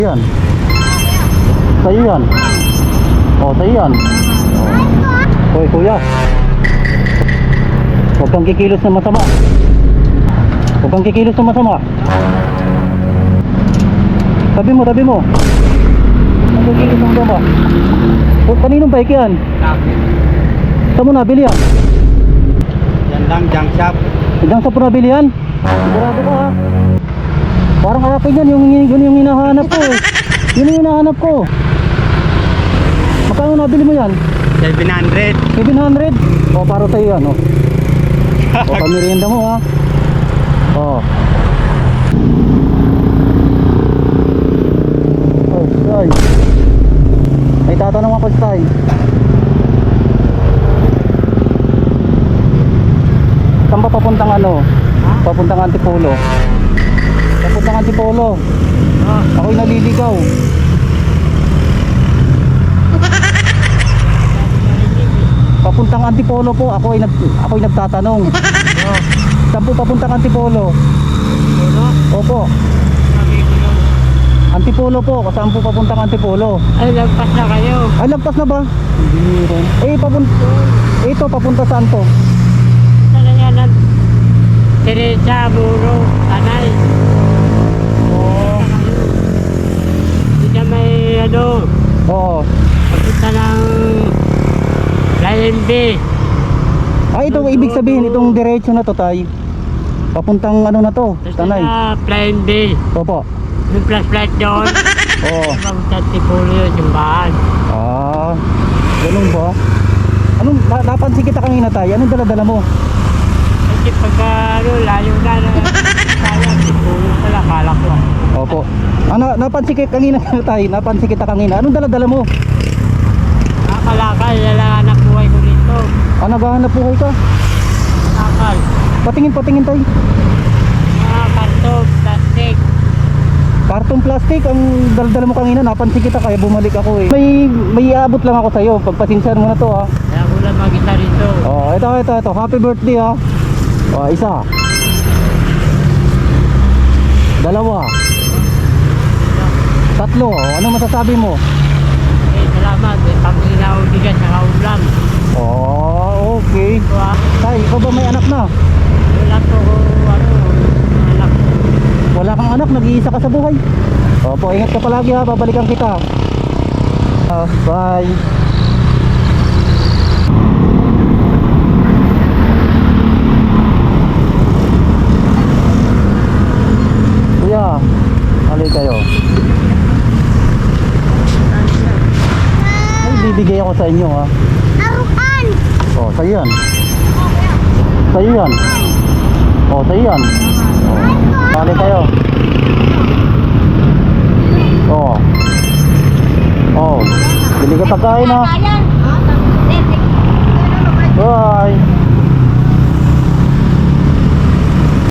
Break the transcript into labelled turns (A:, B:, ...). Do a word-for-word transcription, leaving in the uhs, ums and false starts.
A: Yan. Sa'yo yan. O, sa'yo yan. Hoy, kuya. Huwag kang kikilos na masama. Huwag kang kikilos na masama. Tabi mo, tabi mo. Huwag kang kikilos na masama. O, kaninong bike yan? Saan mo nabili yan?
B: Yan lang, junk shop.
A: Hanggang sa po nabili yan? Sigurado ka ha? Parang akin yan, yung, yun yung hinahanap ko eh. Yun yung hinahanap ko. Magkano nabili mo yan?
B: seven hundred.
A: seven hundred? O, para sa'yo yan o. O, pamirienda mo ha. O. Oh, Tay. May tatanong ako sa Tay. Saan ba papuntang ano? Papuntang Antipolo. Papuntang Antipolo. Ako'y naliligaw. Papuntang Antipolo po. Ako ay nag ako'y nagtatanong. Saan po papuntang Antipolo? Opo. Antipolo po. Saan po papuntang Antipolo?
B: Ay, lagpas na kayo.
A: Ay, lagpas na ba? Eh, papunta. Ito, papunta saan to?
B: Sana yan ang Teresa, Buro, Tanay.
A: Oo.
B: Hindi na may ano,
A: Oo.
B: papunta ng Lion B.
A: Ay, ito ibig sabihin itong diretso na to, Tay. Papuntang ano na to?
B: Tapos
A: Tanay.
B: na Lion B.
A: Opo.
B: Yung flashlight doon.
A: Oo.
B: Papunta Tipulo yun, yung bahan.
A: Ah, ganun ba? Anong na, napansin kita kanina, Tay? Anong dala-dala mo?
B: Kasi pagka ano, layo na na sayang, Tipulo pala, kala ko.
A: Opo. Ah, na, napansin kita kanina, Tay. Napansin kita kanina. Anong dala-dala mo?
B: Nakakalakal, yala anak buhay ko nito.
A: Ah, naghahanap buhay ka.
B: Nakal.
A: Patingin, patingin, Tay.
B: Mga karto, plastic.
A: Kartong plastic ang dala-dala mo kanina. Napansin kita kaya bumalik ako eh. May may iabot lang ako sa iyo. Pagpasensyahan mo na to ha.
B: Kaya ko lang mag-isa rito.
A: Oh, ito ito ito. Happy birthday ha. Oh, isa. Dalawa. Tatlo. Oh, ano masasabi mo?
B: Eh, salamat. Eh, pambili na ako bigas sa kaulam.
A: Oh, okay.
B: Ito ah,
A: Tay, ikaw ba may anak na?
B: wala ko, ano, anak.
A: Wala kang anak, nag-iisa ka sa buhay. Opo, ingat ka palagi ha, babalikan kita. Ah, bye. Kuya, alay kayo. Ay, bibigay ako sa inyo ha.
C: Arukan!
A: Oh, sa'yo yan. Sa'yo yan. Oh, sa'yo yan. Oh, alay kayo. Oh. Oh. Bili ka pagkain ha.
C: Ayan!
A: Bye.